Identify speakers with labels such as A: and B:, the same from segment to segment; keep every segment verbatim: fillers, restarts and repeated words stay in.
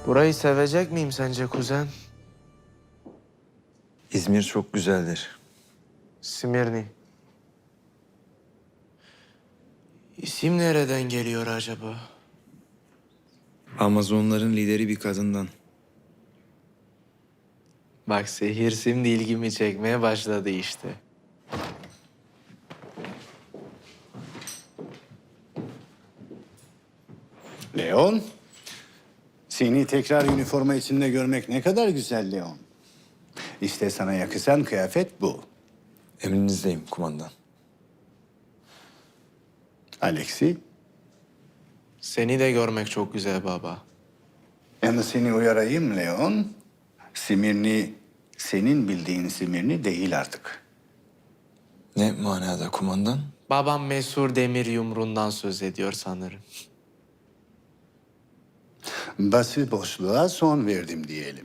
A: Burayı sevecek miyim sence kuzen?
B: İzmir çok güzeldir.
A: Simirni. İsim nereden geliyor acaba?
B: Amazonların lideri bir kadından.
A: Bak sehir şimdi ilgimi çekmeye başladı işte.
C: Leon, seni tekrar üniforma içinde görmek ne kadar güzel Leon. İşte sana yakışan kıyafet bu.
B: Emrinizdeyim kumandan.
C: Alexi,
A: Seni de görmek çok güzel baba.
C: yalnız seni uyarayım Leon. Simirni, senin bildiğin Simirni değil artık.
B: Ne manada kumandan?
A: Babam Mesur Demir Yumru'ndan söz ediyor sanırım.
C: Bası boşluğa son verdim diyelim.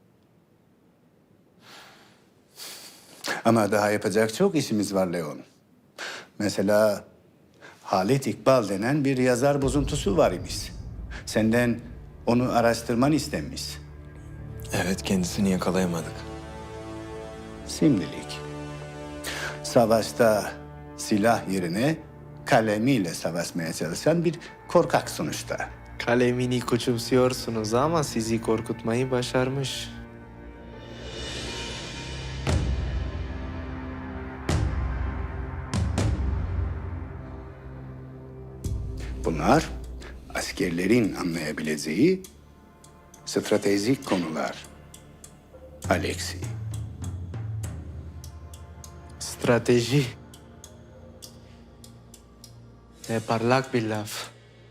C: Ama daha yapacak çok işimiz var Leon. Mesela Halit İkbal denen bir yazar bozuntusu var imiş. Senden onu araştırman istenmiş.
B: Evet, kendisini yakalayamadık.
C: Şimdilik. Savaşta silah yerine kalemiyle savaşmaya çalışan bir korkak sonuçta.
A: Kalemini küçümsüyorsunuz ama sizi korkutmayı başarmış.
C: Bunlar askerlerin anlayabileceği stratejik konular. Alexi.
A: Strateji. Ne parlak bir laf.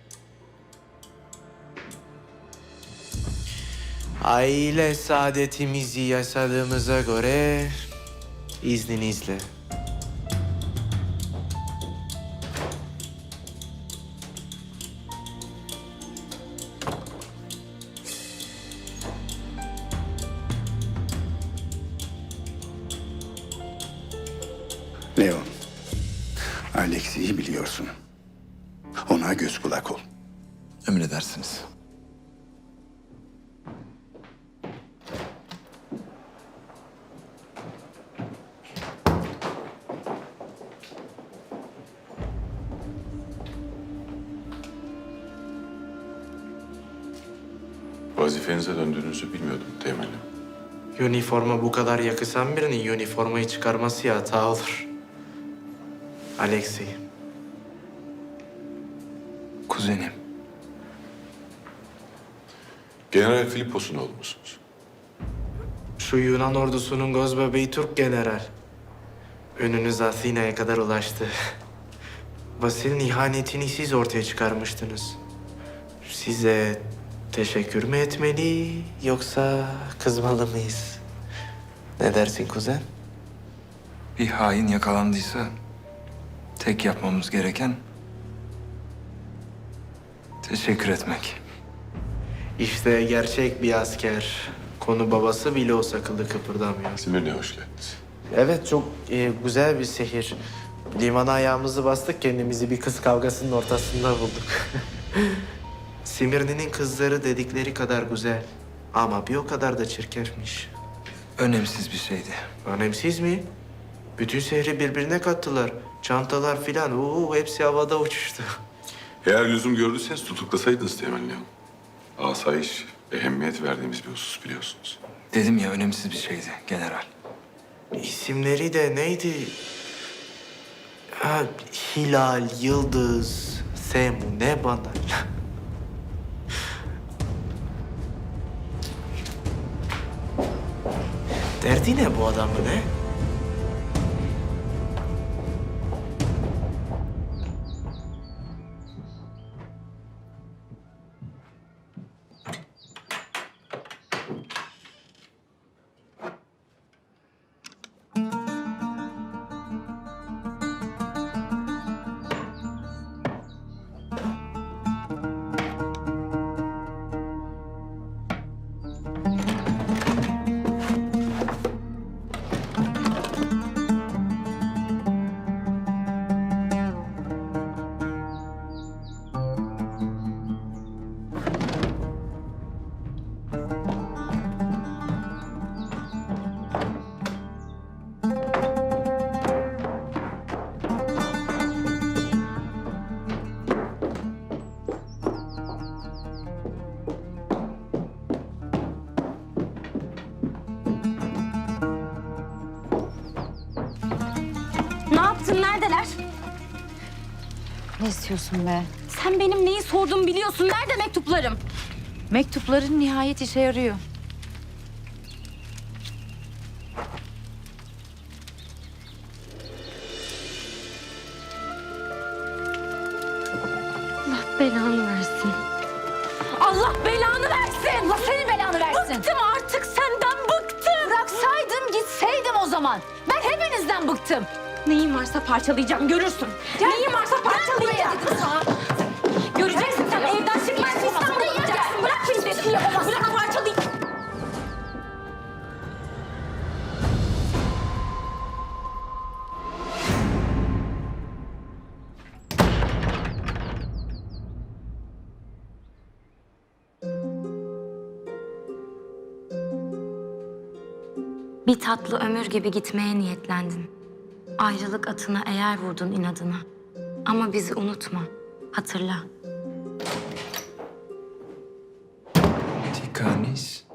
A: Aile saadetimizi yaşadığımıza göre izninizle.
C: Leon, Alexi'yi biliyorsun. Ona göz kulak ol.
B: Emredersiniz.
D: Vazifenize döndüğünüzü bilmiyordum temelli.
A: Üniforma bu kadar yakışan birinin üniformayı çıkarması hata olur. Alexei.
B: Kuzenim.
D: General Filipos'un oğlu musunuz?
A: Şu Yunan ordusunun gözbebeği Türk general. Önünüz Atina'ya kadar ulaştı. Vasil'in ihanetini siz ortaya çıkarmıştınız. Size teşekkür mü etmeli yoksa kızmalı mıyız? Ne dersin kuzen?
B: Bir hain yakalandıysa tek yapmamız gereken teşekkür etmek.
A: İşte gerçek bir asker. Konu babası bile olsa kılı kıpırdamıyor.
D: Simirne'ye hoş geldiniz.
A: Evet, çok e, güzel bir şehir. Limana ayağımızı bastık, kendimizi bir kız kavgasının ortasında bulduk. Simirni'nin kızları dedikleri kadar güzel. Ama bir o kadar da çirkefmiş.
B: Önemsiz bir şeydi.
A: Önemsiz mi? Bütün şehri birbirine kattılar. Çantalar filan, uuu hepsi havada uçuştu.
D: Eğer lüzum gördüyseniz tutuklasaydınız temelli. Asayiş, ehemmiyet verdiğimiz bir husus biliyorsunuz.
B: Dedim ya, önemsiz bir şeydi general.
A: İsimleri de neydi? Ha, Hilal, Yıldız, Semu, ne bana? Derdi ne bu adamın ne?
E: Ne istiyorsun be?
F: Sen benim neyi sorduğumu biliyorsun. Nerede mektuplarım?
E: Mektupların nihayet işe yarıyor.
F: Allah belanı versin. Allah belanı versin.
E: Allah senin belanı versin.
F: Bıktım artık senden bıktım.
E: Bıraksaydım gitseydim o zaman. Ben hepinizden bıktım.
F: Neyin varsa parçalayacağım görürsün.
E: Gel.
F: Neyin varsa parçalayacağım.
E: Gel buraya dedim sana.
F: Göreceksin sen evden çıkmazsın İstanbul'a gideceksin. Bırak şimdi. Bırak parçalayayım. Bir tatlı ömür gibi gitmeye niyetlendin. Ayrılık atına eğer vurdun inadına. Ama bizi unutma, hatırla.
B: Tikanis.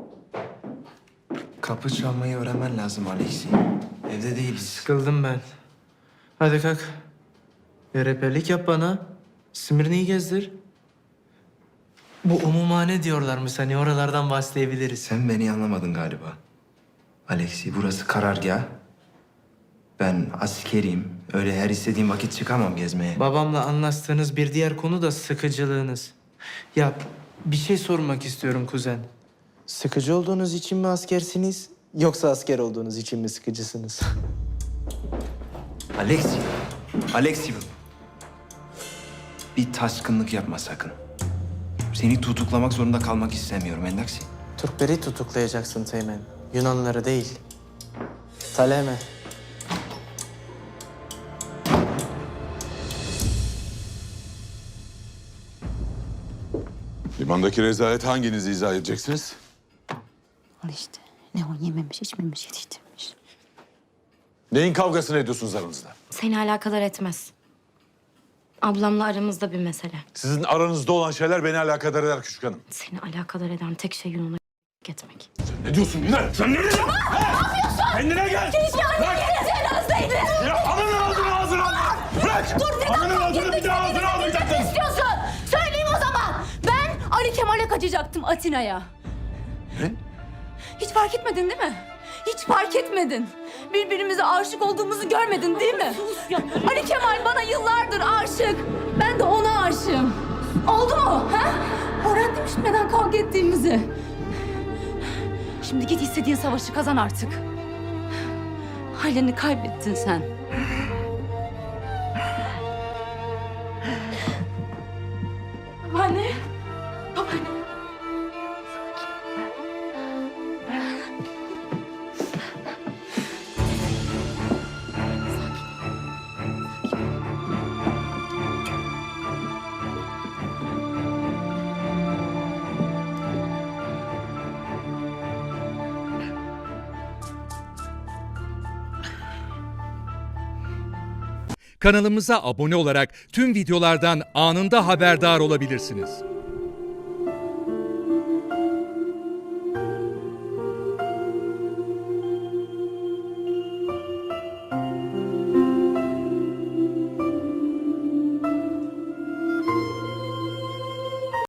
B: Kapı çalmayı öğrenmen lazım Alexi. Evde değiliz.
A: Sıkıldım ben. Hadi kalk. Bir rehberlik yap bana. Simirni'yi gezdir. Bu umumhane diyorlarmış hani oralardan bahsedebiliriz.
B: Sen beni anlamadın galiba. Alexi, burası karargah. Ben askeriyim. Öyle her istediğim vakit çıkamam gezmeye.
A: Babamla anlaştığınız bir diğer konu da sıkıcılığınız. Ya bir şey sormak istiyorum kuzen. Sıkıcı olduğunuz için mi askersiniz yoksa asker olduğunuz için mi sıkıcısınız?
B: Alexi, Alexi. Bir taşkınlık yapma sakın. Seni tutuklamak zorunda kalmak istemiyorum Endaksi.
A: Türkleri tutuklayacaksın Teğmen. Yunanlıları değil. Taleme.
D: Limandaki rezalet hanginizi izah edeceksiniz?
E: Al işte. Leon yememiş, içmemiş, yetiştirmiş.
D: Neyin kavgasını ediyorsunuz aranızda?
F: Seni alakadar etmez. Ablamla aramızda bir mesele.
D: Sizin aranızda olan şeyler beni alakadar eder küçük hanım.
F: Seni alakadar eden tek şey Yunan'a etmek.
D: Ne diyorsun Güner? Sen ne diyorsun? Ne yapıyorsun? Kendine gel!
F: Keşke annem cenazdeydi.
D: Ya ananın ağzını ağzını al! Bırak!
E: Dur neden
D: Ananın
E: fark
D: ağzını bir daha
E: etmedin?
D: ağzına almayacaksın!
E: Ne istiyorsun? Söyleyeyim o zaman. Ben Ali Kemal'e kaçacaktım Atina'ya.
D: Ne?
E: Hiç fark etmedin değil mi? Hiç fark etmedin. Birbirimize aşık olduğumuzu görmedin değil mi? Ali Kemal bana yıllardır aşık. Ben de ona aşığım. Oldu mu? Ha? Öğrendim şimdi neden kavga ettiğimizi. Şimdi git istediğin savaşı kazan artık. Halini kaybettin sen. Babaanne. Babaanne.
G: Kanalımıza abone olarak tüm videolardan anında haberdar olabilirsiniz.